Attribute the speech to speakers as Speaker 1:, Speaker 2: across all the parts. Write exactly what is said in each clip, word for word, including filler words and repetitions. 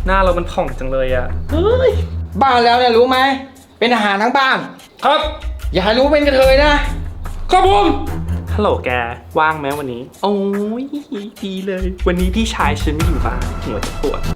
Speaker 1: หน้าเรามันผ่องจังเลยอะเฮ้ย
Speaker 2: บ้านแล้วเนี่ยรู้ไหมเป็นอาหารทั้งบ้าน
Speaker 1: ครับ
Speaker 2: อย่าให้รู้เป็นกระเทยนะครับ
Speaker 1: ผมฮัลโหลแกว่างไหมวันนี้โอ้ยดีเลย วันนี้พี่ชายฉันไม่อยู่บ้านหัวจะปวด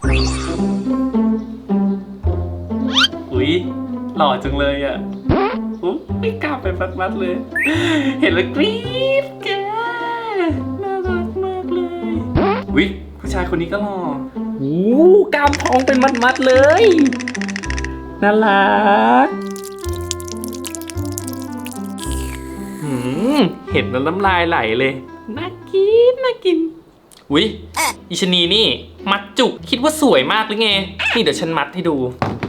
Speaker 1: อุ๊ยหล่อจังเลยอะอุ๊ยไม่กล้าไปมัดๆเลย เห็นแล้วกรี๊ดแกน่ารักมากเลยอุ๊ยผู้ชายคนนี้ก็หล่อโอ้กล้ามพองเป็นมัดๆเลยน่ารักหืมเห็นแล้วน้ำลายไหลเลยน่ากินน่ากินอุ๊ยอิชนีนี่มัดจุกคิดว่าสวยมากหรือไงนี่เดี๋ยวฉันมัดให้ดู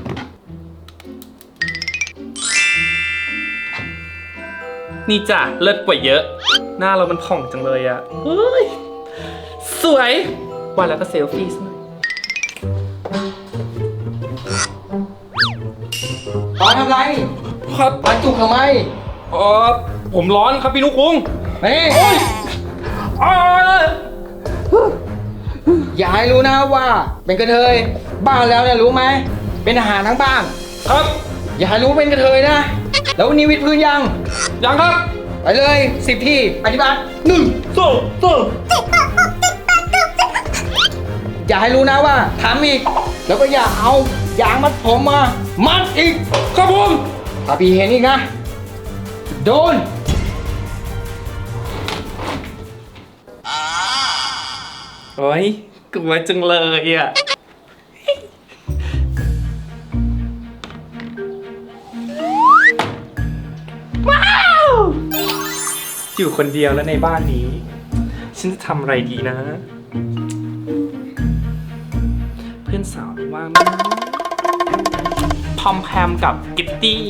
Speaker 1: นี่จ้ะเลิศกว่าเยอะหน้าเรามันผ่องจังเลยอะเฮ้ยสวยว่าแล้วก็เซลฟี่ซะหน่อย
Speaker 2: ตอนทำไร
Speaker 1: ครับ
Speaker 2: ปันจุกทำไม
Speaker 1: เออผมร้อนครับพี่นุกคุง
Speaker 2: นี่
Speaker 1: อ้า
Speaker 2: อย่าให้รู้นะว่าเป็นกระเทยบ้านแล้วเนี่ยรู้ไหมเป็นอาหารทั้งบ้าน
Speaker 1: ครับ
Speaker 2: อย่าให้รู้เป็นกระเทยนะแล้ววันนี้วิดพื้นยัง
Speaker 1: ยังครับ
Speaker 2: ไปเลยสิบที่ปฏิบัติหนึ่ง
Speaker 1: โซ่โซ่
Speaker 2: อย่าให้รู้นะว่าทำอีก แล้วก็อย่าเอายางมัดผมมามัดอีก
Speaker 1: ครับผม
Speaker 2: ถ้าพี่เห็นอีกนะโดน
Speaker 1: โอ้ยกลัวจังเลยอ่ะว้าวอยู่คนเดียวแล้วในบ้านนี้ ฉันจะทำอะไรดีนะ เพื่อนสาวว่างไหมพอมแพมกับกิตตี้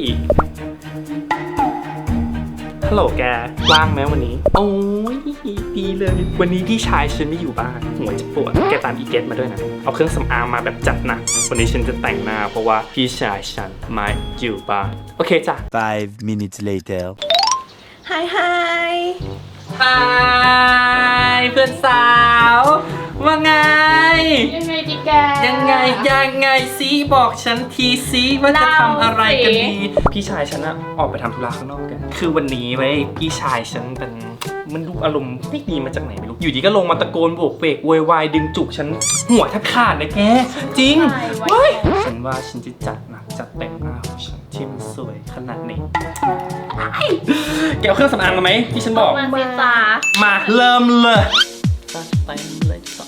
Speaker 1: ฮัลโหลแกว่างไหมวันนี้โอ้ยดีเลย วันนี้พี่ชายฉันไม่อยู่บ้านหัวจะปวดแกตามอีเกตมาด้วยนะเอาเครื่องสำอางมาแบบจัดหนักวันนี้ฉันจะแต่งหน้าเพราะว่าพี่ชายฉันไม่อยู่บ้านโอเคจ้ะ
Speaker 3: Five minutes later.
Speaker 4: ไฮไฮ
Speaker 1: ฮายเพื่อนสาวว่าไง
Speaker 4: ยังไงดีแก
Speaker 1: ยังไงยังไงซีบอกฉันทีซีว่าจะทำอะไรกันดีพี่ชายฉันอะออกไปทำธุระข้างนอกกันคือวันนี้ไว้พี่ชายฉันเป็นมันดูอารมณ์ไม่ดีมาจากไหนไม่รู้อยู่ดีก็ลงมาตะโกนโบกเวกโวยวายดึงจุกฉันหัวแทบขาดเลยแกจริงเฮ้ยฉันว่าฉันจะจัดหนักจัดเต็มหน้าของฉันที่มันสวยขนาดนี้แกเอาเครื่องสำอางมาไหมที่ฉันบอก
Speaker 4: มาสิจ้า
Speaker 1: มาเริ่มเลยจัดเต็มเลยจ้ะ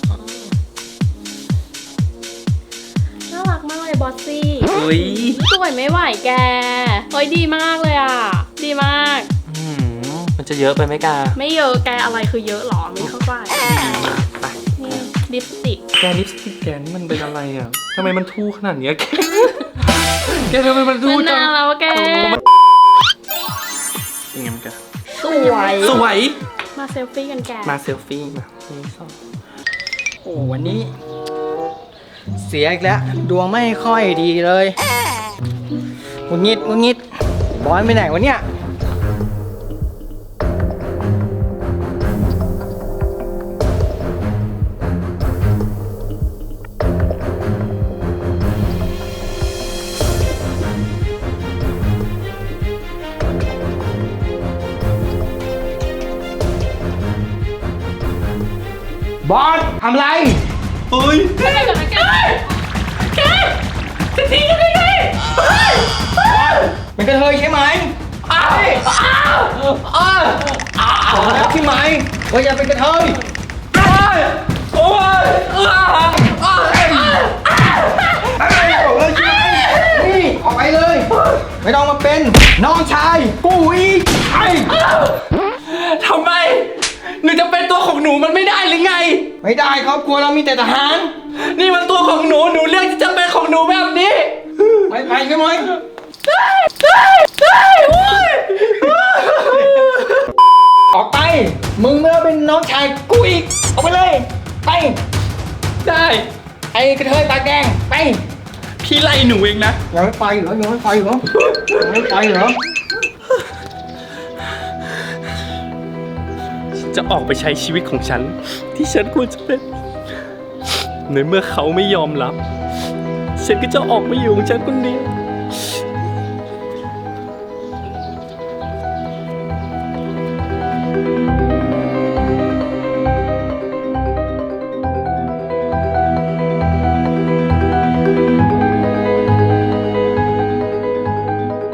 Speaker 4: น่ารักมากเลยบอสซี่
Speaker 1: อุ้ย
Speaker 4: สวยไม่ไหวแกเฮ้ยดีมากเลยอ่ะ ดีมาก
Speaker 1: อืมมันจะเยอะไปไหมกา
Speaker 4: ไม่เยอะแกอะไรคือเยอะหรอไม่เข้าใจ
Speaker 1: ไป
Speaker 4: นี่ลิปสติก
Speaker 1: แกลิปสติกแกนี่มันเป็นอะไรอ่ะทำไมมันทู่ขนาดเนี้ยแก แกทำไมมันทู่
Speaker 4: มัน
Speaker 1: จัง
Speaker 4: นานแล้วแก
Speaker 1: ยังไงมันแก
Speaker 4: สวย
Speaker 1: สวย
Speaker 4: มาเซลฟี่กันแก
Speaker 1: มาเซลฟี่มาหนึ่งสอง
Speaker 2: โอ้วันนี้ เสียอีกแล้วดวงไม่ค่อยดีเลยงุนงิดงุนงิดบอยไปไหนวะเนี่ยบอสทำไร
Speaker 1: เฮ้ย
Speaker 4: แกเดี๋ยวนะแก
Speaker 1: แกจะทิ้งกันได้ไงเฮ้ย
Speaker 2: เป็นกระเทยใช่ไหม
Speaker 1: อ้าวอ้าวอ้าวอ้าว
Speaker 2: บอกแล้วใช่ไหมว่าอย่าเป็นกระเทย
Speaker 1: โอ้ยโอ้ยอ้าวอ้าวอ้าว
Speaker 2: อะไรบอกเลยใช่ไหมนี่ออกไปเลย ไม่ต้องมาเป็นน้องชายกูอีกไอ้
Speaker 1: ทำไมหนูจะเป็นตัวของหนูมันไม่ได้หรือไง
Speaker 2: ไม่ได้ครอบครัวเรามีแต่ทหาร
Speaker 1: นี่มันตัวของหนูหนูเลือกที่จะเป็นของหนูแบบนี้
Speaker 2: ไปไปใช่ไหม
Speaker 1: ได้ได้ได้โอ้ย
Speaker 2: ออกไป มึงไม่ต้องเป็นน้องชายกูอีกออกไปเลยไป
Speaker 1: ได้
Speaker 2: ไอ้กระเทยปากแดงไป
Speaker 1: พี่ไล่หนูเองนะ
Speaker 2: ยังไม่ไปเหรอยังไม่ไปเหรอยังไม่ไปเหรอ
Speaker 1: จะออกไปใช้ชีวิตของฉัน ที่ฉันควรจะเป็นในเมื่อเขาไม่ยอมรับ ฉันก็จะออกมาอยู่ของฉันคนเดียว